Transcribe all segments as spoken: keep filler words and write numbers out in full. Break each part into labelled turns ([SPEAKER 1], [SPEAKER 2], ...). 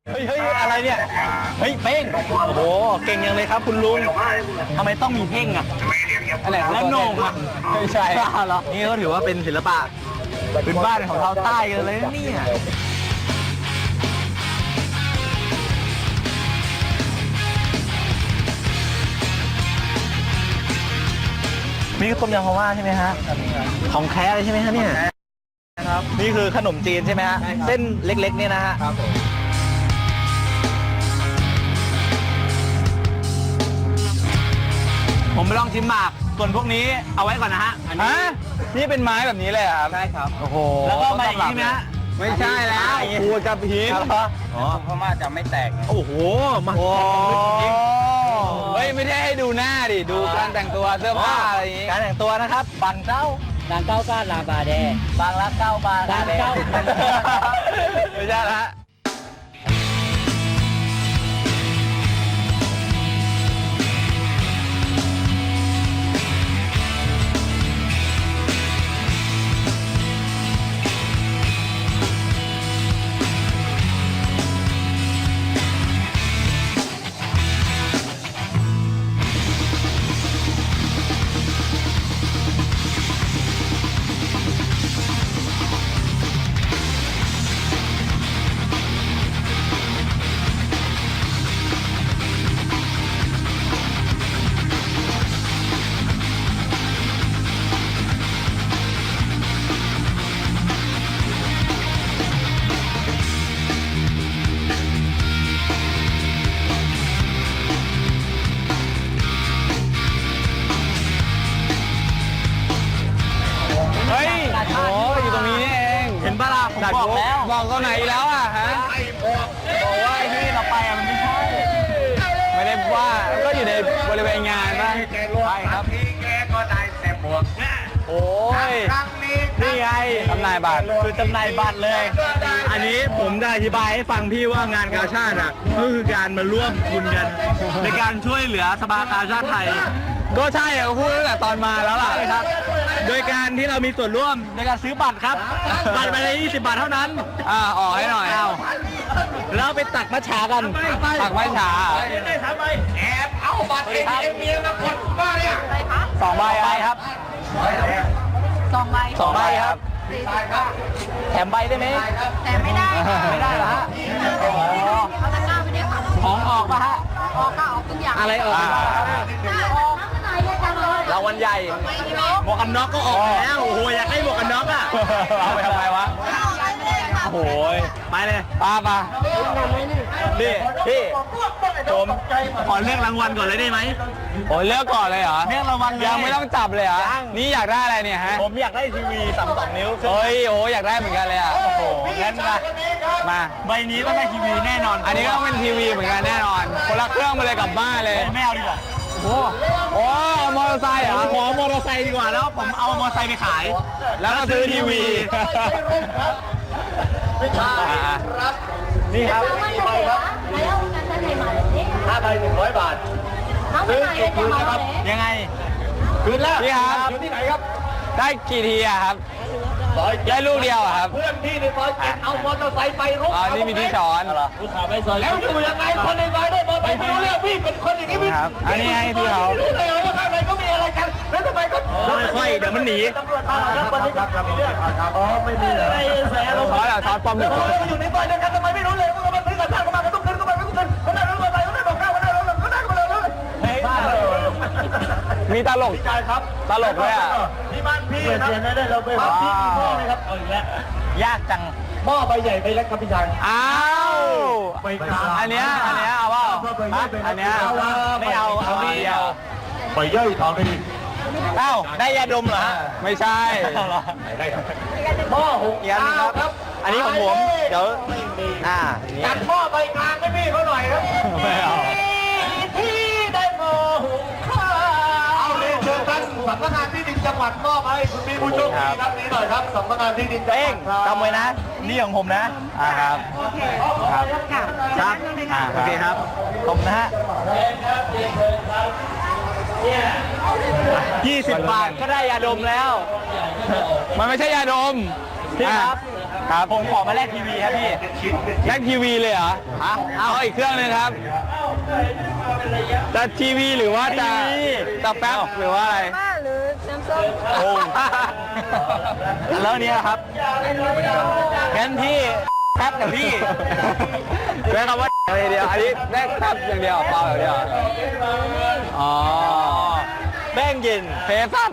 [SPEAKER 1] เฮ้ยเฮ้ยอะไรเนี่ยเฮ้ยเพ่งโอ้โหเก่งยังเลยครับคุณลุงทำไมต้องมีเพ่งอ่ะอะไรแล้วโหน่งอ่ะไม่ใช่เหรอนี่ก็ถือว่าเป็นศิลปะพื้นบ้านของชาวใต้กันเลยนะเนี่ยนี่ก็ต้มยำพม่าใช่ไหมฮะของแท้เลยใช่ไหมฮะเนี่ยครับนี่คือขนมจีนใช่ไหมฮะเส้นเล็กๆเนี่ยนะฮะครับผมไปลองชิมหมากส่วนพวกนี้เอาไว้ก่อนนะฮะอันนี้นี่เป็นไม้แบบนี้เลยครับใช่ครับโอ้โหแล้วก็มาอย่างนี้นะไม่ใช่แล้วครูกับหินอ๋อพม่าจะไม่แตกโอ้โหมาโอ้เฮ้ยไม่ได้ให้ดูหน้าดิดูการแต่งตัวเสื้อผ้าอะไรอย่างงี้การแต่งตัวนะครับบังเก้าบางเก้าก้าลาบาแดบางละเก้าบางบางเก้าไม่ใช่ละโอ้อยู่ตรงนี้นี่เองเห็นปะล่ะผมบอกแล้วบอกตรงไหนแล้วอ่ะฮะบอกว่าที่เราไปอ่ะมันไม่ใช่ไม่ได้ว่าก็อยู่ในบริเวณงานบ้างใช่ครับแกก็ได้แต่บวกโอ้ยนี่ไงจำหน่ายบัตรคือจำหน่ายบัตรเลยอันนี้ผมจะอธิบายให้ฟังพี่ว่างานกาชาติอ่ะก็คือการมาร่วมทุนกันในการช่วยเหลือสภากาชาติไทยก็ใช่อ่ะพูดตั้งแต่ตอนมาแล้วล่ะครับโดยการที่เรามีส่วนร่วมในการซื้อบัตรครับบัตรไปเลยยี่สิบบาทเท่านั้นอ่าออกให้หน่อยเอาแล้วไปตักมัทฉากันตักมัทฉาแอบเอาบัตรเอ็มเมียมากดบ้าเนี่ยสองใบครับ
[SPEAKER 2] สองใบ
[SPEAKER 1] สองใบครับแถมใบได้ไหม
[SPEAKER 2] แต่ไม่ได้
[SPEAKER 1] ไม่ได้เหรอฮะ
[SPEAKER 2] เขาจะกล้าไปเนี่ยค่ะ
[SPEAKER 1] ของออกป่ะฮะ
[SPEAKER 2] ออกก็ออกทุกอย่าง
[SPEAKER 1] อะไรออก
[SPEAKER 2] ออกข้างในเลยจังเลย
[SPEAKER 1] รางวัลใหญ่หมวกกันน็อกก็ออกแล้วโอ้โหอยากให้หมวกกันน็อกอ่ะเอาไปทำไมวะโอ้โหไปเลยป้ามาพี่พี่ผมขอเลือกรางวัลก่อนเลยได้ไหมโอ้เลือกก่อนเลยเหรอเลือกรางวัลยังไม่ต้องจับเลยเหรอนี่อยากได้อะไรเนี่ยฮะผมอยากได้ทีวีสามสองนิ้วเฮ้ยโอ้อยากได้เหมือนกันเลยอ่ะโอ้โหงั้นมามาใบนี้ต้องได้ทีวีแน่นอนอันนี้ก็เป็นทีวีเหมือนกันแน่นอนคนละเครื่องมาเลยกลับบ้านเลยไม่เอาดีกว่าโอ้โหมอเตอร์ไซค์เหรอขอมอเตอร์ไซค์ดีกว่าแล้วผมเอามอเตอร์ไซค์ไปขายแล้วก็ซื้อทีวีนี่ครับห้าใบหนึ่งร้อยบาทซื้อกี่คืนนะครับยังไงคืนแล้วพี่ครับอยู่ที่ไหนครับได้กี่ทีอะครับได้ลูกเดียวอะครับเพื่อนพี่ในซอยเจ็ดเอามอเตอร์ไซค์ไปรุกอ๋อนี่มีที่ช้อนผู้ขาไปซอยแล้วอยู่ยังไงคนในซอยได้มอเตอร์ไซค์ไม่รู้เรื่องพี่เป็นคนอย่างนี้พี่ครับอันนี้ให้พี่เขาไม่รู้เลยว่าข้างในก็มีอะไรกันแล้วทำไมก็ค่อยๆเดี๋ยวมันหนีตำรวจมาแล้ววันนี้ครับมีเรื่องอ๋อไม่มีอะไรแสเราช้อนอ่ะช้อนปอมหนึ่งคนอยู่ในซอยเดียวกันทำไมไม่รู้เลยว่ามันซื้อกันข้างกันมาก็ต้องเดินเข้าไปไม่ต้องเดินเขาได้รถมอเตอร์ไซค์เขาได้บอกข้าวเขาได้รถเขาได้มาเลยมีตลกใช่ครับตลกเลยอ่ะที่บ้านพี่นะได้เราไปบ้านพี่มีหม้อไหมครับเอาอีกแล้วยากจังหม้อใบใหญ่ใบเล็กครับพี่ชายอ้าวอันเนี้ยอันเนี้ยเอาว่าอันเนี้ยไม่เอาเอาเดียวใบย่อยทองได้เอ้าได้ยาดมเหรอฮะไม่ใช่ได้ครับหม้อหกยันครับอันนี้ของผมเดี๋ยวอ่าจัดหม้อใบกลางให้พี่เขาหน่อยครับไม่เอาที่ได้หม้อหุงข้าวเอาเรียนเชิญท่านสำนักงานที่ดินจังหวัดมอบให้คุณมีผู้โชคดีท่านนี้หน่อยครับสำนักงานที่ดินจังหวัดจำไว้นะนี่ของผมนะอ่าครับครับครับอ่าโอเคครับผมนะฮะยี่สิบบาทก็ได้ยาดมแล้วมันไม่ใช่ยาดมพี่ครับครับ
[SPEAKER 3] ผมขอมาแลกทีวีครับพี่
[SPEAKER 1] แลกทีวีเลยเหรอ
[SPEAKER 3] ฮะ
[SPEAKER 1] เอาอีกเครื่องหนึงครับจะทีวีหรือว่าจะจะแป๊บหรือว่าอะไร
[SPEAKER 2] บ้าหรือน้ำส้ม
[SPEAKER 1] โอ้
[SPEAKER 3] แล้วเนี่ยครับงั้นพี่แป๊บกับพี่
[SPEAKER 1] ใช้คำว่าอย่างเดียวอันนี้แลกแป๊บอย่างเดียวเปล่าอย่างเดียวอ๋อ
[SPEAKER 3] แป้งเย็น
[SPEAKER 1] เฟซัส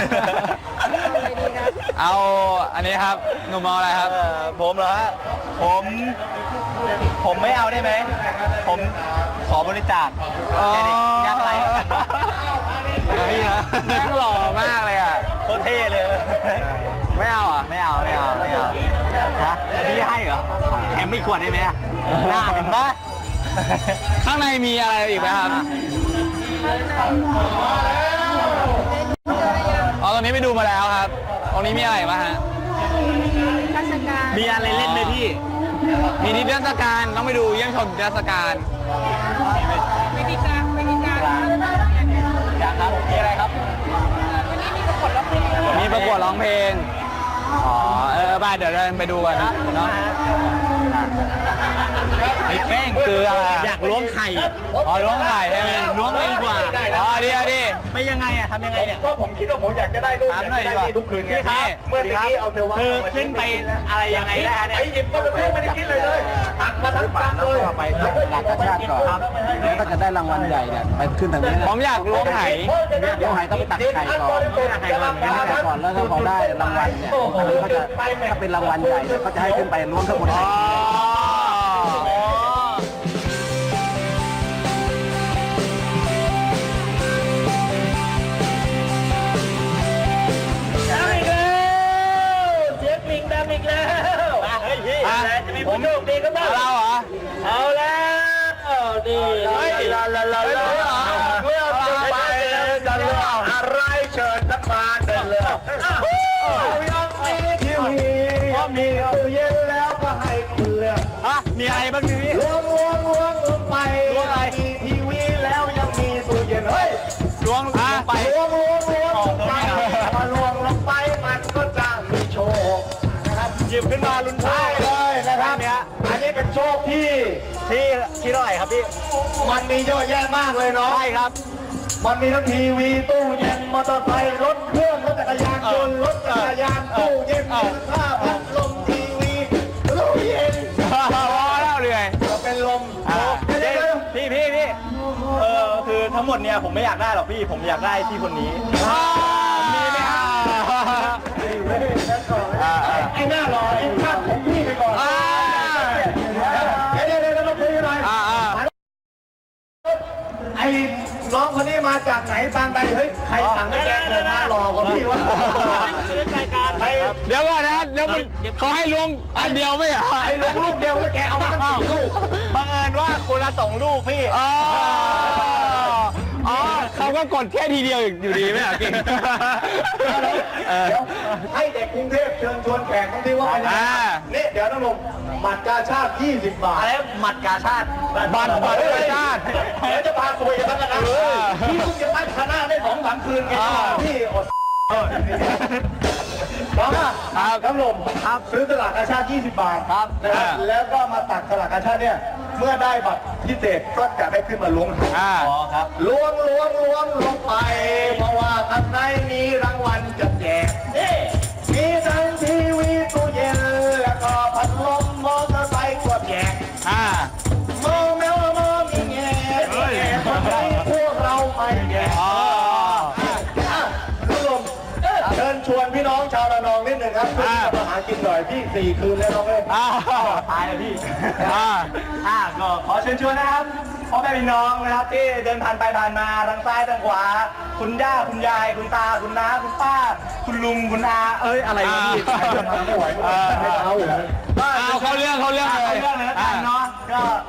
[SPEAKER 1] เอาอันนี้ครับหนุ่มเอาอะไรครับ
[SPEAKER 3] เอ่อผมเหรอฮะผม ผมไม่เอาได้ไหม ผมขอบริจาคแค่เด็กยากไร้
[SPEAKER 1] นี่นะแม่งหล่อมากเลยอ่ะ
[SPEAKER 3] โคตรเท่เลย
[SPEAKER 1] ไม่เอาอ่ะ
[SPEAKER 3] ไม่เอาไม่เอาไม่เอาฮะพี่ให้เหรอแถมไม่ขวดได้ไหมอะน่าเห็นปะ
[SPEAKER 1] ข้างในมีอะไรอีกไหมครับอ๋อตรงนี้ไปดูมาแล้วครับ ตรงนี้มีอะไรบ้างฮะ
[SPEAKER 2] ราชการ
[SPEAKER 3] มีอะไรเล่นไหมพี่
[SPEAKER 1] มีนิทรรศการต้องไปดูเยี่ยมชมนิทรรศการ
[SPEAKER 2] วิธีการวิธีการ
[SPEAKER 3] อยากครับมีอะไรครับ
[SPEAKER 1] มีประกวดร้องเพลง อ๋อ เออไปเดี๋ยวเดินไปดูกันนะเนาะ
[SPEAKER 3] ไอ้แป้ง
[SPEAKER 1] คืออะไรอะ
[SPEAKER 3] อยากล้วงไข่
[SPEAKER 1] อ๋อล้วงไข่ใช่ไหม
[SPEAKER 3] ล้วงเลยดีกว่า
[SPEAKER 1] อ๋อดีอ่ะดี
[SPEAKER 3] ไม่ยังไงอะทำยังไงเนี่ย
[SPEAKER 4] ก็ผมคิดว่าผมอยากจะได้รูป
[SPEAKER 1] ถามหน่อยดีกว่า
[SPEAKER 4] ทุกคืนไง
[SPEAKER 1] พี่
[SPEAKER 4] เมื่อกี้เอาเทวะ
[SPEAKER 3] คือขึ้นไปอะไรยังไงได้ฮะเนี่ย
[SPEAKER 4] ไอ้หยิบก็ไม่ไม่ได้คิดเลยเลยหักมาทั้งปังเลย
[SPEAKER 5] ไปหลักกระชาติก่อนแล้วก็จะได้รางวัลใหญ่เนี่ยไปขึ้นทางนี้นะ
[SPEAKER 1] ผมอยากล้วงไห
[SPEAKER 5] เดี๋ยวหายต้องไปตักไข่ก่อนตักไข่ก่อนตักไข่ก่อนแล้วก็พอได้รางวัลเนี่ยอันนี้ก็จะถ้าเป็นรางวัลใหญ่เนี่ยก็จะให้ขึ้นไปล้วงข้างบน
[SPEAKER 1] อ๋
[SPEAKER 5] ไข่
[SPEAKER 1] อ
[SPEAKER 4] ดังอีกแล้วเสียงลิงดังอีกแล้วเฮ้ยพี่
[SPEAKER 1] อ่ะ
[SPEAKER 4] จะมีผู้โชคดีก็บ้าง
[SPEAKER 1] เราเหรอ
[SPEAKER 4] เอาแล้วดี
[SPEAKER 1] เฮ้ย
[SPEAKER 4] ลาลาลาลา
[SPEAKER 1] เฮ้ย
[SPEAKER 4] เลือกจะไปจะเลือกอะไรเชิญสักมาเดินเลือกยังมีทีวีมีตู้เย็นแล้วก็ให้คุณเลือก
[SPEAKER 3] ฮะมีอะไรบ้างพี่
[SPEAKER 4] ล้วงล้วงล้วงลงไป
[SPEAKER 3] ล้วงอะไร
[SPEAKER 4] มีทีวีแล้วยังมีตู้เย็นเฮ้ย
[SPEAKER 3] ล้วงลงไป
[SPEAKER 4] ล้วงล้วงล้วงลงไปพอล้วงลงไปมันก็จะมีโชคนะครับ
[SPEAKER 3] หยิบขึ้นมาลุ้น
[SPEAKER 4] ใช่เลยนะครับ
[SPEAKER 3] เนี้ย
[SPEAKER 4] อันนี้เป็นโชคที่
[SPEAKER 3] ที่ที่เท่าไหร่ครับพี่
[SPEAKER 4] มันมีเยอะแยะมากเลยเนาะ
[SPEAKER 3] ใช่ครับ
[SPEAKER 4] มันมีทั้งทีวีตู้เย็นมอเตอร์ไซค์รถเครื่องรถจักรยานยนต์รถจักรยานตู้เย็นผ้าพัดลมทีวีตู้เย็น
[SPEAKER 1] พอแล้วเลย
[SPEAKER 4] ก็เป็นลม
[SPEAKER 1] อ่า
[SPEAKER 4] เดี๋ยวเดี๋ยว
[SPEAKER 3] พี่พี่พี่เออคือทั้งหมดเนี่ยผมไม่อยากได้หรอกพี่ผมอยากได้ที่คนนี้
[SPEAKER 1] มีไหมครับ
[SPEAKER 4] ไอ้หน้าหล่อไอ้ข้าผมพี่ไปก่อน
[SPEAKER 1] อ่า
[SPEAKER 4] เดี๋ยวเดี๋ยวเดี๋ยวเราคุยกันหน่อย
[SPEAKER 1] อ่าอ่า
[SPEAKER 4] ไอ้น้องคนนี้มาจากไหนตามใดเฮ้ยใครสั่งให้แกเดินหน้าหล่อกว่าพี่วะไอ้
[SPEAKER 1] เดี๋ยวก่อนนะเดี๋ยวมันเขาให้ล้วงอันเดียวไม่เหรอ
[SPEAKER 4] ไอ้ลงลูกเดียวแล้วแกเอามาตั้งสี่ลูก
[SPEAKER 3] บังเอิญว่าคนละสองลูกพี่
[SPEAKER 1] อ๋ออ๋อเขาก็กดแค่ทีเดียวอยู่ดีไม่เหรอเก่งเออ
[SPEAKER 4] เดี๋ยวให้เด็กกรุงเทพเชิญชวนแขกทั้งที่ว่า
[SPEAKER 1] อ่า
[SPEAKER 4] นี่เดี๋ยวน้องลงบัตรกาชาติยี่สิบบาท
[SPEAKER 3] อะไรหมัดกาชาติ
[SPEAKER 1] บัตรบัตรประชาติ
[SPEAKER 4] เดี๋ยวจะพาคุยกันแล้วกันนะพี่เพิ่งจะตั้งคณะได้สองสามคืนไง
[SPEAKER 1] อ่า
[SPEAKER 4] พี่อดเออครับครับลมครับซื้อสลากกาชาติยี่สิบบาทครับนะครับแล้วก็มาตักสลากกาชาติเนี่ยเมื่อได้บัตรพิเศษก็จะได้ขึ้นมาล้วงหา
[SPEAKER 1] อ่า
[SPEAKER 3] อ๋อครับ
[SPEAKER 4] ล้วงล้วงล้วงลงไป เพราะว่าข้างในมีรางวัลจะแจกนี่มีทั้งทีวีตู้เย็นแล้วก็พัดลมมอเตอร์ไซค์ก็แจก
[SPEAKER 1] อ่า
[SPEAKER 4] มองแมวมองมีแง่มีแง่คนไหนพวกเราไม่แง่
[SPEAKER 1] อ๋อ
[SPEAKER 4] อ่ะคุณลมเชิญชวนพี่น้องชาวระนองนิดหนึ่งครับขึ้นมาหากินหน่อยพี่สี่คืนแล้วน้องเอ้ย
[SPEAKER 1] อ่า
[SPEAKER 3] ตายเลยพี่
[SPEAKER 1] อ่า
[SPEAKER 3] อ่าก็ขอเชิญชวนนะครับพ่อแม่พี่น้องนะครับที่เดินผ่านไปผ่านมาทางซ้ายทางขวา คุณย่าคุณยาย คุณตาคุณน้าคุณป้า คุณลุงคุณอาเอ้ยอะไรวะพี่
[SPEAKER 1] อ่า
[SPEAKER 4] ไม่ไหวไม่ไหวไม่เอา
[SPEAKER 1] เอาเข้าเรื่องเข้าเรื่องเลย
[SPEAKER 3] เอาเรื่องเลยแล้วกันเนาะก็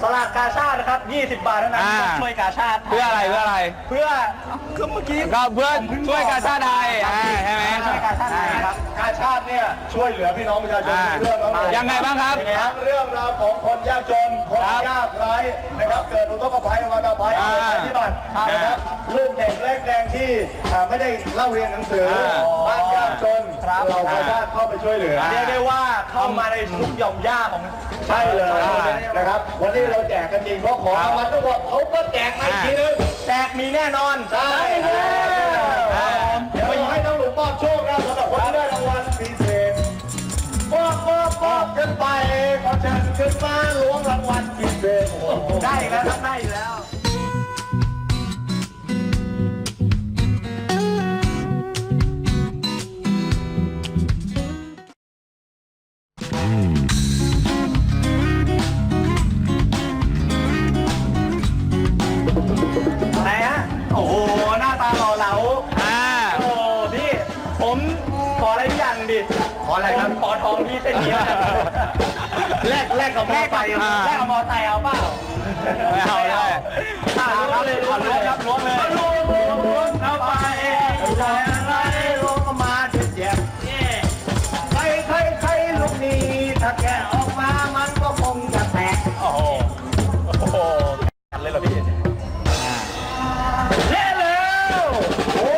[SPEAKER 3] สลากกาชาตินะครับยี่สิบบาทเท่านั้น
[SPEAKER 1] อ่า
[SPEAKER 3] ช่วยกาชาติ
[SPEAKER 1] เพื่ออะไรเพื่ออะไร
[SPEAKER 3] เพื่อคือเมื่อกี้
[SPEAKER 1] ก็เพื่อช่วยกาชาติไทยอ่าใช่ไหม
[SPEAKER 3] ช่วยกาชาติไทยครับ
[SPEAKER 4] กาชาติเนี่ยช่วยเหลือพี่น้องประชาชน
[SPEAKER 1] อ่า
[SPEAKER 4] เรื่องของ
[SPEAKER 1] ยังไงบ้างครับ
[SPEAKER 4] ทั้งเรื่องราวของคนยากจนคน
[SPEAKER 1] ครับ
[SPEAKER 4] ยากไร้นะครับเกิดอุทกภัยวันภัย
[SPEAKER 1] อ่า
[SPEAKER 4] ภัยพิบัตินะครับลูกเด็กเล็กแดงที่อ่าไม่ได้เล่าเรียนหนังสือ
[SPEAKER 1] อ่า
[SPEAKER 4] บ้านยากจนเรากาชาติเข้าไปช่วยเหลือ
[SPEAKER 3] เรียกได้ว่าเข้ามาในทุกหย่อมย่าของ
[SPEAKER 4] ใช่เลยนะครับ วันนี้เราแจกกันจริงเพราะของรางวัลทั้งหมดเขาก็แจกมาอีกทีนึง
[SPEAKER 3] แจกมีแน่นอน
[SPEAKER 4] ใช่แล้วเดี๋ยวเราให้น้องหลุมมอบโชคนะสำหรับคนที่ได้รางวัลพิเศษมอบมอบมอบกันไปขอเชิญขึ้นมาล้วงรางวัลพิเศษ
[SPEAKER 3] ได้อีกแล้วครับได้อีกแล้ว ไหนฮะ โอ้โห หน้าตาหล่อเหลา
[SPEAKER 1] อ่า
[SPEAKER 3] โอ้พี่ ผมขออะไรทุกอย่างดิ ขออะไรครับ ขอทองพี่เส้นนี้แลกแลกกับมอไซค์
[SPEAKER 1] อ่า
[SPEAKER 3] แลกกับมอไซค์เอาเปล่า
[SPEAKER 1] ไม่เอาเลย
[SPEAKER 3] อ่าครับเลยล้วงเลยครับล้วงเลยล้วงล้วงล้วงเอาไปใจอะไรล้วงออกมาเจ็บเจ็บ
[SPEAKER 4] ใครใครใครลูกนี้ถ้าแกะออกมามันก็คงจะแตก
[SPEAKER 3] โอ้โห โอ้โหกันเลยเหรอพี่เล่นเร็ว
[SPEAKER 4] โอ้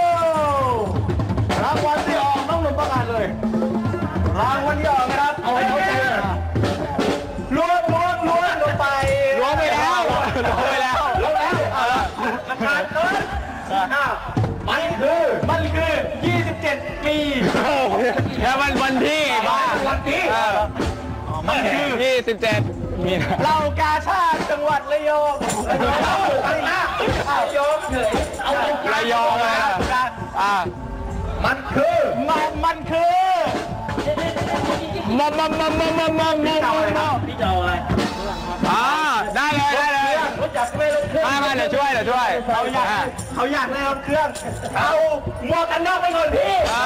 [SPEAKER 4] รางวัลที่ออกน้องหนุ่มประกาศเลย
[SPEAKER 3] รางวัลที่ออกนะครับ
[SPEAKER 4] เอาให้เขาใจเลย
[SPEAKER 3] ล้วงล้วงล้วงลงไป
[SPEAKER 1] ล้วงไปแล้วล้วงไปแล้ว
[SPEAKER 3] ล้วงแล้วเออราคาเกินอ้าวมันคือมันคือยี่สิบเจ็ดปี
[SPEAKER 1] แล้วมันวันที่บ้า
[SPEAKER 3] วันที่
[SPEAKER 1] เออ
[SPEAKER 3] มันคือ
[SPEAKER 1] ยี่สิบเจ็ดมีนา
[SPEAKER 3] เรากาชาติจังหวัดระยองระยองอะไรนะอ้าวยองเฉยเอา
[SPEAKER 1] ระยองอ่ะอ่า
[SPEAKER 3] มันคือมันมันคือ
[SPEAKER 1] มัมมัมมัมมัมมัมมัม
[SPEAKER 3] พี่จะเอาอะไรครับพี่จะเอาอะไร
[SPEAKER 1] อ่าได้เลยได้เลย
[SPEAKER 3] รู้จักไหมรถเครื่อง
[SPEAKER 1] มามาเดี๋ยวช่วยเดี๋ยวช่วย
[SPEAKER 3] เขาอยากเขาอยากได้รถเครื่องเอาหมวกกันน็อกไปก่อนพี่
[SPEAKER 1] อ่า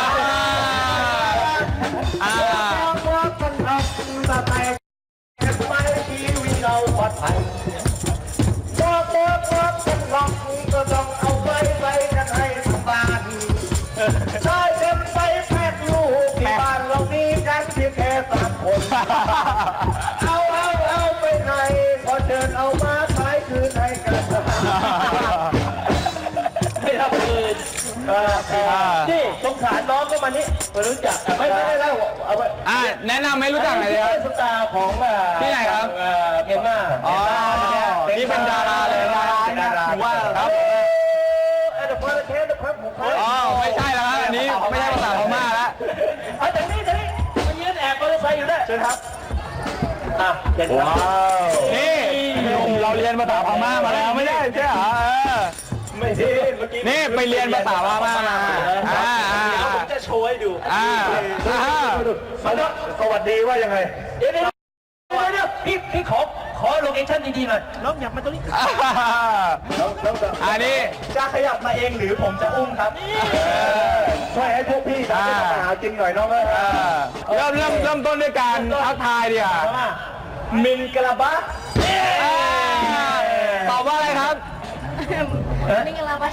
[SPEAKER 1] อ่า
[SPEAKER 3] หมวกกันน็อกสไตล์
[SPEAKER 4] ไม่ชีวิตเราปลอดภัยบอกบอกบอกกันหลอกก็ต้องเอาไปไปกันให้ทุกบ้านใช้เต็มไปแพทย์ลูกที่บ้านเรามีกันเพียงแค่สามคน เอาเอาเอาไปไหนขอเชิญเอามาขายคืนให้กัน
[SPEAKER 3] ไม่รับคืนนี่สงสารน้องก็มานี่มารู้จัก
[SPEAKER 4] ไม่ไม่ไม่ได้เอาไป
[SPEAKER 1] อ่าแนะนำไม่รู้จักหน่อยเลยครับ
[SPEAKER 4] สตาร์ของเอ่อ
[SPEAKER 1] ที่ไหนครับ
[SPEAKER 4] เอ่อเมียนมา
[SPEAKER 1] อ๋อนี่เป็นดาราเลยดารา
[SPEAKER 4] ดารา
[SPEAKER 1] ถือว่าครับ
[SPEAKER 4] เออเดี๋ยวพอแล้วเทสเดี๋ยวพอผมขอ
[SPEAKER 1] อ๋อไม่ใช่แล้วครับอันนี้ไม่ใช่ภาษาพม่าแล้ว
[SPEAKER 3] เอาจากนี้จากนี้มายืนแอบมอเตอร์ไซค์อยู่ด้วยเชิญครับอ่ะเชิญครับ
[SPEAKER 4] ว้าว
[SPEAKER 1] นี่เราเรียนภาษาพม่ามาแล้วไม่ได้ใช่เหรอเออ
[SPEAKER 3] ไม่ใช่เมื่อกี้
[SPEAKER 1] นี่ไปเรียนภาษาพม่ามาอ่าอ่า
[SPEAKER 3] เดี๋ยวผมจะโชว์ให้ดู
[SPEAKER 1] อ่าอ่า
[SPEAKER 4] สวัสดีว่ายังไง
[SPEAKER 3] เดี๋ยวเดี๋ยวเดี๋ยวเดี๋ยวพี่พี่ขอขอโลเคชั่นดีๆหน่อยน้องอยากมาตรงนี้
[SPEAKER 1] อันนี้
[SPEAKER 3] จะขยับมาเองหรือผมจะอุ้มครับ
[SPEAKER 4] ช่วยให้พวกพี่ทำให้อาหารกินหน่อยน้องเอ้ย
[SPEAKER 1] เริ่มเริ่มเริ่มต้นด้วยการทักทายดีกว่า
[SPEAKER 3] มินกะลาบะ
[SPEAKER 1] อ่าตอบว่าอะไรครับ
[SPEAKER 2] นี่กันละบัช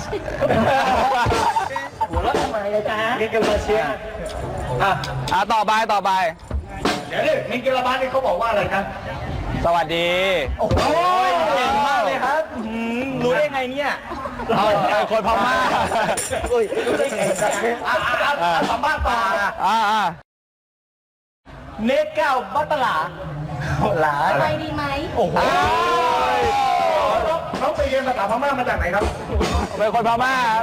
[SPEAKER 3] หัวเราะทำไมเลยจ๊ะมินกะลาบะเชียอ่ะ
[SPEAKER 1] อ่าต่อไปต่อไป
[SPEAKER 4] เดี๋ยวดิมิงกะลาบานี่เขาบอกว่าอะไรครับ
[SPEAKER 1] สวัสดี
[SPEAKER 3] โอ้โหเก่งมากเลยครับอื้อหือรู้ได้ไงเนี่ย
[SPEAKER 1] เอาเอาคนพม่า
[SPEAKER 3] อุ้ยรู้ได้ไงอ่ะอ่ะอ่ะอ่ะสัมภาษณ์ต่ออ่ะ
[SPEAKER 1] อ่าอ่า
[SPEAKER 3] เนกแก้วบัตตลาหลา
[SPEAKER 2] ไปดีไหม
[SPEAKER 3] โอ้โห
[SPEAKER 4] น้องไปเรียนภาษาพม่ามาจากไหนครับ
[SPEAKER 1] เป็นคนพม่าครับ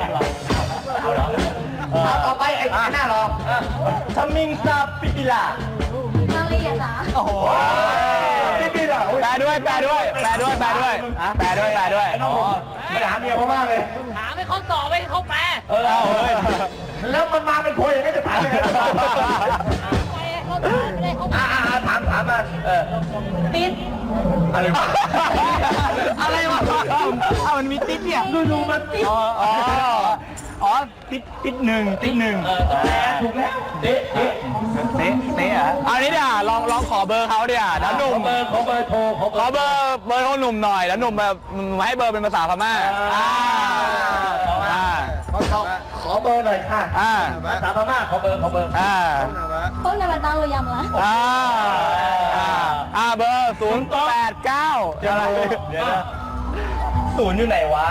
[SPEAKER 3] เอาต่อไปไอ้หน้ารอทมิงซาปิปิลา
[SPEAKER 2] มาเรียนเหรอ
[SPEAKER 3] โอ้โห
[SPEAKER 4] พี่พี่ด่า
[SPEAKER 1] แปลด้วยแปลด้วยแปลด้วยแปลด้วยแปลด้วยแปลด้วย
[SPEAKER 4] ไปหาเมียพม่าเลย
[SPEAKER 2] ถามให้เขาตอบให้เขาแปล
[SPEAKER 3] เออเอาเฮ้ย
[SPEAKER 4] แล้วมันมาเป็นพวยอย่างนี้จะถามยังไง
[SPEAKER 2] ไปให้เขาตอบไม่ได้เขาแปล
[SPEAKER 3] อ่าถามถามมาเออ
[SPEAKER 2] ติด
[SPEAKER 3] อะไรวะ
[SPEAKER 1] อะไรวะอ้าวมันมีติ๊กเนี่ย
[SPEAKER 3] ดูดูมันติด
[SPEAKER 1] อ๋ออ๋ออ๋อติดติดหนึ่งติดหนึ่ง
[SPEAKER 3] ถูกแล้วเอ๊ะเอ๊ะ
[SPEAKER 1] เต๊ะเต๊ะอ่ะเอานี้เดี๋ยวลองลองขอเบอร์เขาเดี๋ยวแล้วหนุ่ม
[SPEAKER 3] เบอร์ขอเบอร์โทรขอ
[SPEAKER 1] ขอเบอร์เบอร์ของหนุ่มหน่อยแล้วหนุ่มแบบมาให้เบอร์เป็นภาษาพม่าอ่าอ่า
[SPEAKER 4] ขอเบอร์หน่อยค่ะ
[SPEAKER 1] อ่า
[SPEAKER 3] ภาษาพม่าขอเบอร์ขอเบอร์
[SPEAKER 1] อ่า
[SPEAKER 2] พวกในวันตั้งเรายำละ
[SPEAKER 1] อ่าอ่าอ่าเบอร์ศูนย์แปดเก้าอะไร
[SPEAKER 3] เดี๋ยวนะศูนย์อยู่ไหนวะ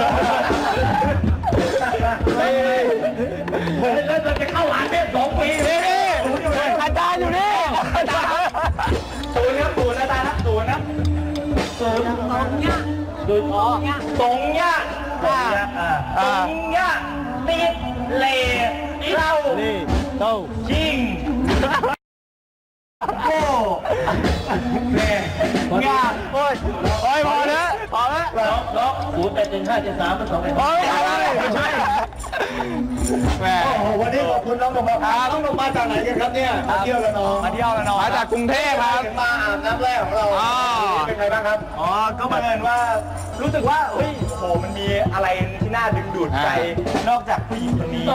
[SPEAKER 3] แล้วจะเข้าหาเทพสองปี
[SPEAKER 1] นี่นี่อาจารย์อยู่นี่อาจารย์
[SPEAKER 3] ศูนย์ครับศูนย์อาจารย์ครับศูนย์นะศูนย์สองยะศูนย์อ๋อสองยะสองยะติดเลเล่า
[SPEAKER 1] นี่เต้า
[SPEAKER 3] ยิงโก้แม่งาน
[SPEAKER 1] โอ้ยโอ้ยพอแล้วพอแล้ว
[SPEAKER 3] ล็อกล็อกศูนย์แปดหนึ่งห้าเจ็ดสามสอง
[SPEAKER 1] โอ้ยอะไรไม่ใช่แหม
[SPEAKER 4] โอ้โหวันนี้ขอบคุณน้องนมครับน้องนมมาจากไหนกันครับเนี่ยมาเที่ยวละน้อง
[SPEAKER 1] มาเที่ยวแล้วน้องมาจากกรุงเทพครับ
[SPEAKER 4] มาอาบน้ำแรกของเรา
[SPEAKER 1] อ๋อ
[SPEAKER 4] เป็นไงบ้างครับ
[SPEAKER 3] อ๋อก็บังเอิญว่ารู้สึกว่าเฮ้ยโหมันมีอะไรที่น่าดึงดูดใจนอกจากผู้หญิงคนนี้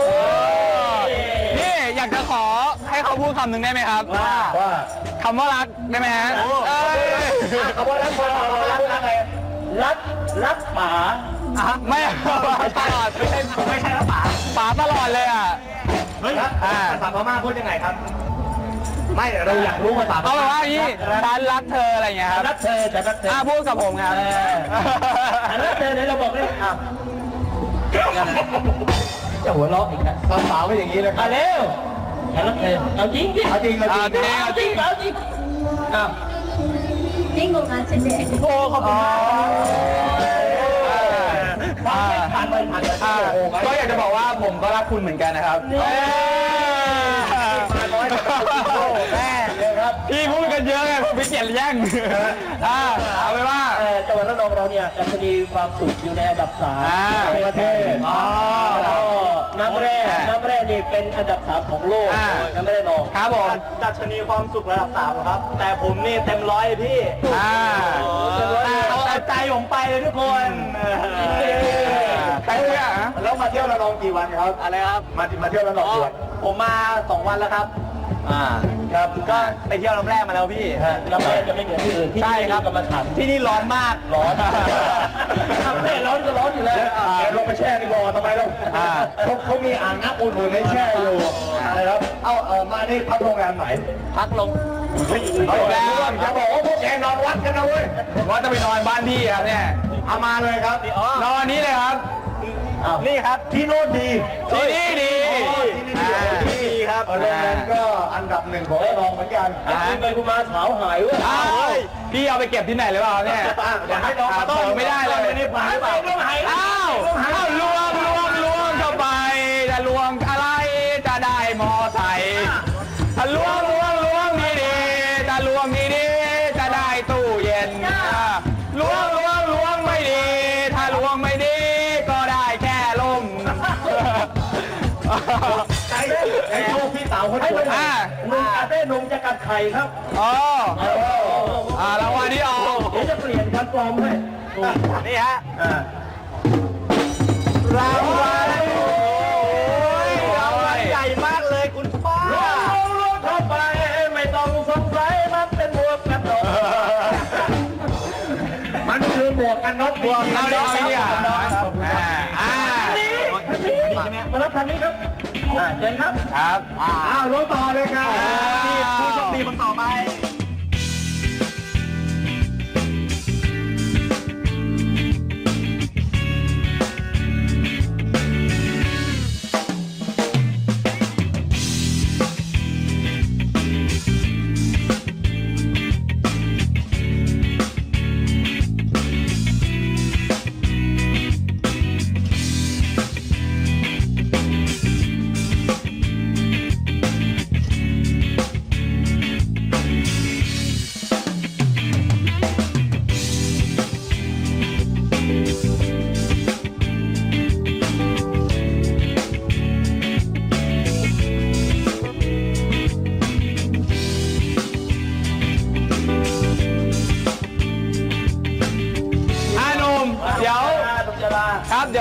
[SPEAKER 1] นี่อยากจะขอให้เขาพูดคำหนึ่งได้ไหมครับ
[SPEAKER 3] ว่า
[SPEAKER 4] ว่า
[SPEAKER 1] คำว่ารักได้ไหมฮะเอ้ย
[SPEAKER 3] คำว่ารักคนเรารักอะไรรักรักหมา
[SPEAKER 1] ไม่ตลอดไม่ใช่
[SPEAKER 3] ไม่ใช่รักหมา
[SPEAKER 1] ป๋าตลอดเลยอ่ะ
[SPEAKER 3] เฮ้ย
[SPEAKER 1] อ่า
[SPEAKER 3] ภาษาพม่าพูดยังไงครับ ไม่เราอยากรู้ภาษาพ
[SPEAKER 1] เอา
[SPEAKER 3] ม่า
[SPEAKER 1] แบบว่าอย่างนี้ฉันรักเธออะไรอย่างเงี้ยครับ
[SPEAKER 3] รักเธอจะรักเธอ
[SPEAKER 1] อ่าพูดกับผมครับ
[SPEAKER 3] ฉันรักเธอเนี่ยเราบอกเลยอ่ะจะหัวเราะอีกนะ
[SPEAKER 4] ภาษาไม่อย่างนี้เลยค
[SPEAKER 3] อ่ะ
[SPEAKER 4] รับ
[SPEAKER 3] เร็วฉันรักเธอเอาจริงดิ
[SPEAKER 4] เอาจริงเอา
[SPEAKER 1] เอา
[SPEAKER 4] จ
[SPEAKER 1] จ
[SPEAKER 4] ริ
[SPEAKER 1] ริ
[SPEAKER 4] ง
[SPEAKER 1] งเอาจริง
[SPEAKER 3] เอาจริงอ้าว
[SPEAKER 2] ยิ่งกว่านั้นเฉย
[SPEAKER 3] โอ้ขอบคุณมากผ่านไปผ่านไป
[SPEAKER 1] อ่าก็อยากจะบอกว่าผมก็รักคุณเหมือนกันนะครับแม่พี่พูดกันเยอะไงผมไม่เกลียดแย่งอ่าเอาไปว่า
[SPEAKER 3] จังหวัดระนองเราเนี่ยดัชนีความสุขอยู่ในอันดับสาม
[SPEAKER 1] อ่า
[SPEAKER 3] ในประเทศ
[SPEAKER 1] อ๋อ
[SPEAKER 3] แล้วก็น้ำแร่น้ำแร่นี่เป็นอันดับสามของโลก
[SPEAKER 1] อ่า
[SPEAKER 3] น้ำแร่นอง
[SPEAKER 1] ครับผม
[SPEAKER 3] ดัชนีความสุขระดับสามครับ แต่ผมนี่เต็มร้อยเลยพี่
[SPEAKER 1] อ่า
[SPEAKER 3] เต็มร้อยเอาเอาใจผมไปเลยทุกคน
[SPEAKER 1] ไปเลยอ่ะ
[SPEAKER 4] แล้วมาเที่ยวละนองกี่วันครับ
[SPEAKER 3] อะไรครับ
[SPEAKER 4] มามาเที่ยวละนองกี่วัน
[SPEAKER 3] ผมมาสองวันแล้วครับ อ่า ครับ ก็ไปเที่ยวน้ำแร่มาแล้วพี่น้ำแร่จะไม่เหมือนที่อื่นใช่ครับกรรมฐานที่นี่ร้อนมาก ร้อนน้ำแร่ร้อนก็ร้อนอยู่แล้ว
[SPEAKER 4] เดี๋ยวลงไปแช่ดีกว่าทำไมล่ะ
[SPEAKER 1] อ่า
[SPEAKER 4] เขาเขามีอ่างน้ำอุ่นๆให้แช่อยู่อะไรครับ เอ้าเออมานี่พักโรงแรมไหน
[SPEAKER 3] พักลง
[SPEAKER 1] เอาอีกแล้ว
[SPEAKER 4] จะบอกว่าพวกแกนอนวัดกันนะเว้ย
[SPEAKER 1] ว่าจะไปนอนบ้านพี่ครับเนี่ย
[SPEAKER 4] เอามาเลยครับ
[SPEAKER 1] นอนนี้เลยครับ
[SPEAKER 3] นี่ครับ
[SPEAKER 4] ที่โน่นดี
[SPEAKER 1] ที่นี่ดี
[SPEAKER 4] ที่นี่ดี
[SPEAKER 3] ดีครับ
[SPEAKER 4] โรงแรมก็อันดับหนึ่งของระนองเหมือนกัน
[SPEAKER 3] อ่าคุณไปคุณมาสาวหายเว้ย
[SPEAKER 1] อ้าวพี่เอาไปเก็บที่ไหนหรือเปล่าเนี่ย
[SPEAKER 3] อยากให้น้องมาต้อน
[SPEAKER 1] เปิดไม่ได้เลย
[SPEAKER 3] ไม่ได้ผ่านหรือเปล่าต้องหาย
[SPEAKER 1] อ้าวอ้าวลวงลวงลวงเข้าไปจะลวงอะไรจะได้มอไซค์ถ้าลวงลวงลวงดีดีๆจะลวงดีดีๆจะได้ตู้เย็นอ่าลวงลวงลวงไม่ดี ถ้าลวงไม่ดี ก็ได้แค่ลม
[SPEAKER 3] ไอ้ไอ้โชคพี่สาวคนนี้
[SPEAKER 1] อ่า
[SPEAKER 3] หนุ่มกาเต้หนุ่มจะกัดไข่ครับ
[SPEAKER 1] อ๋ออ่ารางวัลที่ออก
[SPEAKER 3] เดี๋ยวจะเปลี่ยนพันปลอมให้
[SPEAKER 1] นี่ฮะรางวัลโอ้ยรางวัลใหญ่มากเลยคุณป้า
[SPEAKER 3] ลงลงเข้าไปไม่ต้องสงสัยมันเป็นหมวกกันน็อกมันคือหมวกกันน็อก
[SPEAKER 1] เอาเดี๋ยวเอาไปเนี่ยอ่าอ่า
[SPEAKER 3] มารับทางนี้ครับอ่าเชิญครับ
[SPEAKER 1] ครับ
[SPEAKER 4] อ้าวรถต่อเลยครับ
[SPEAKER 3] ผู้โชคดีคนต่อไป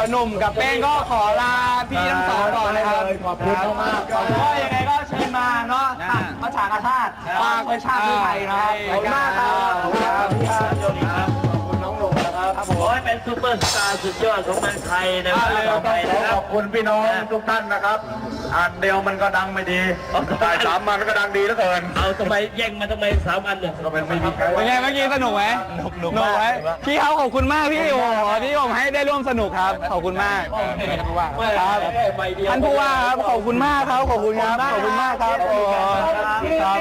[SPEAKER 1] ยวหนุ่มกับเป้งก็ขอลาพี่ทั้งสองก่อนนะครับ
[SPEAKER 4] ขอบคุณมากครับ
[SPEAKER 3] ก็ยังไงก็เชิญมาเนาะตัดประชากาชาติปางประชาติไทยนะครับ
[SPEAKER 1] ขอบคุณมากครับ
[SPEAKER 3] ขอบคุณครับขอบคุณครับ
[SPEAKER 4] ขอบคุณน้องหนุ่มนะครับ
[SPEAKER 3] ครับผมให้เป็นซูเปอร์สตาร์สุดยอดของเมืองไทยในเวลาต่อไป
[SPEAKER 4] ขอ
[SPEAKER 3] นะค
[SPEAKER 4] ข
[SPEAKER 3] รับ
[SPEAKER 4] อบคุณพี่น้องทุกท่านนะครับอันเดียวมันก็ดังไม่ดีแต่สามมันก็ดังดีเหลือเกิน
[SPEAKER 3] เอาทำไมแย่งมาทำไมสามอันเนี่ย
[SPEAKER 4] ก็เป็นไม่มีใคร
[SPEAKER 1] เป็นไงเมื่อกี้สนุกไหมสนุกไหมพี่เขาขอบคุณมากพี่โอ้โหที่ผมให้ได้ร่วมสนุกครับขอบคุณมากครับท่านผู้ว่าครับขอบคุณมากครับขอบคุณครับขอบคุณมากครับโอ้ครับ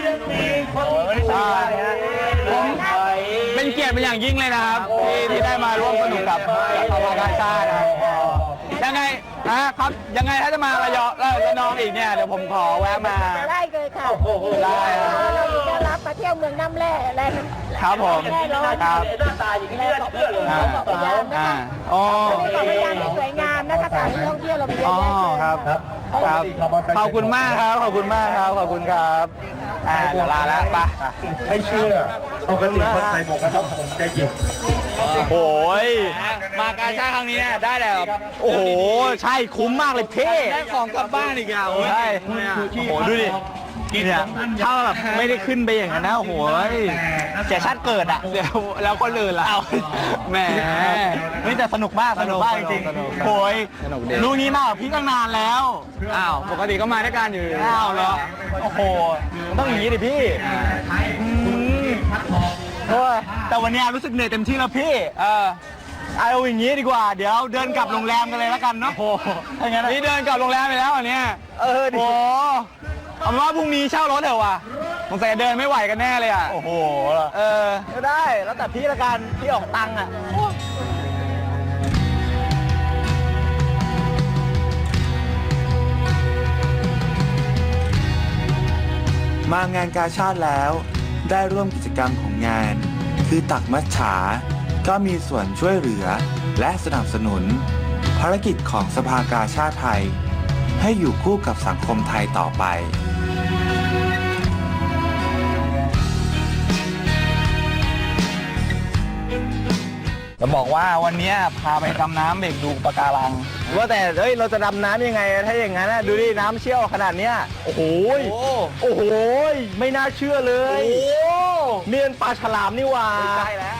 [SPEAKER 1] ผมเป็นเกียรติเป็นอย่างยิ่งเลยนะครับที่ที่ได้มาร่วมสนุกกับสภากาชาตินะครับยังไงนะครับยังไงถ้าจะมาระยองระนองอีกเนี่ยเดี๋ยวผมขอแวะมา
[SPEAKER 2] ได้เลยค่ะ
[SPEAKER 1] ได้ครับ
[SPEAKER 2] เราจะรับมาเที่ยวเมืองน้ำแร่แร่น้ำ
[SPEAKER 1] ครับผม
[SPEAKER 2] แร่ร้อน
[SPEAKER 1] ครับ
[SPEAKER 3] หน้าตาอย่างนี้ไม่น่าเชื่อเลย
[SPEAKER 1] อ่า
[SPEAKER 2] เกาะพะยามนะ
[SPEAKER 1] อ่า
[SPEAKER 2] คะ
[SPEAKER 1] อ๋อ
[SPEAKER 2] มีเกาะพะยามที่สวยงามนะคะสถานที่ท่องเที่ยวเรามีเยอะ
[SPEAKER 1] อ๋อ
[SPEAKER 2] แยะเลย
[SPEAKER 1] ครับครับครับขอบคุณมากครับขอบคุณมากครับขอบคุณครับอ่าเดี๋ยวลาแล้วไป
[SPEAKER 4] ไม่เชื่อปกติคนใส่หมวกกันน็อกผมจะหยิบ
[SPEAKER 1] โอ้ยมากาชาติครั้งนี้เนี่ยได้แต่แบบโอ้โหใช่คุ้มมากเลยเท่ได้ของกลับบ้านอีกอ่ะใช่โอ้โหดูดิเนี่ยถ้าแบบไม่ได้ขึ้นไปอย่างนั้นนะโอ้โหเสียชาติเกิดอ่ะเดี๋ยวแล้วคนอื่นล่ะแหมนี่แต่สนุกมากสนุกมากจริงๆโอยรู้งี้มากพี่ตั้งนานแล้วอ้าวปกติก็มาด้วยกันอยู่อ้าวแล้วโอ้โหมันต้องอย่างนี้ดิพี่อืมโอ้ยแต่วันนี้รู้สึกเหนื่อยเต็มที่แล้วพี่เออเอาอย่างนี้ดีกว่าเดี๋ยวเดินกลับโรงแรมกันเลยแล้วกันเนาะโอ้ถ้างั้นนี่เดินกลับโรงแรมไปแล้วอันเนี้ยเออดิโอ้เอาเป็นว่าพรุ่งนี้เช่ารถเถอะว่ะสงสัยเดินไม่ไหวกันแน่เลยอ่ะโอ้โหเออก็ได้แล้วแต่พี่ละกันพี่ออกตังค์อ่ะ
[SPEAKER 6] มางานกาชาติแล้วได้ร่วมกิจกรรมของงาน คือตักมัจฉาก็มีส่วนช่วยเหลือและสนับสนุน ภารกิจของสภากาชาติไทย ให้อยู่คู่กับสังคมไทยต่อไป
[SPEAKER 1] จะบอกว่าวันนี้พาไปดำน้ำเบรกดูปะการังว่าแต่เฮ้ยเราจะดำน้ำยังไงถ้าอย่างนั้นดูดิน้ำเชี่ยวขนาดเนี้ยโอ้โหโอ้โหไม่น่าเชื่อเลยเนียนปลาฉลามนี่หว่าใช่แล้ว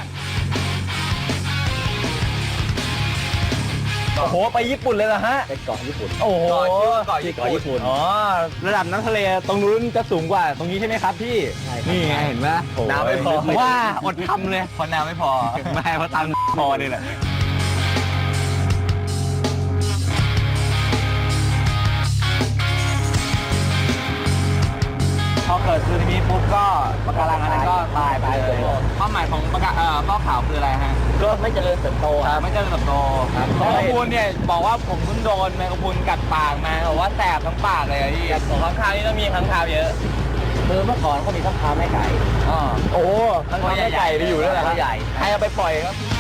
[SPEAKER 1] โอ้โหไปญี่ปุ่นเลยเหรอฮะไปเกาะญี่ปุ่นโอ้โหเกาะญี่ปุ่นอ๋อระดับน้ำทะเลตรงนู้นจะสูงกว่าตรงนี้ใช่ไหมครับพี่นี่ไงเห็นไหมน้ำไม่พอว่าอดทำเลยพอน้ำไม่พอไม่เพราะตังค์พอนี่แหละพอเกิดสึนามิปุ๊บก็ปะการังอันนั้นก็ตายไปเลยเป้าหมายของปะการเอ่อเป้าขาวคืออะไรฮะก็ไม่เจริญเติบโตครับไม่เจริญเติบโตครับแมงกะพรุนเนี่ยบอกว่าผมเพิ่งโดนแมงกะพรุนกัดปากมาบอกว่าแสบทั้งปากเลยอะพี่ของข้างคาวนี่ต้องมีข้างคาวเยอะคือเมื่อก่อนก็มีข้างคาวแม่ไก่อ๋อโอ้ข้างคาวแม่ไก่ไปอยู่ด้วยแหละใหญ่ใครเอาไปปล่อยครับ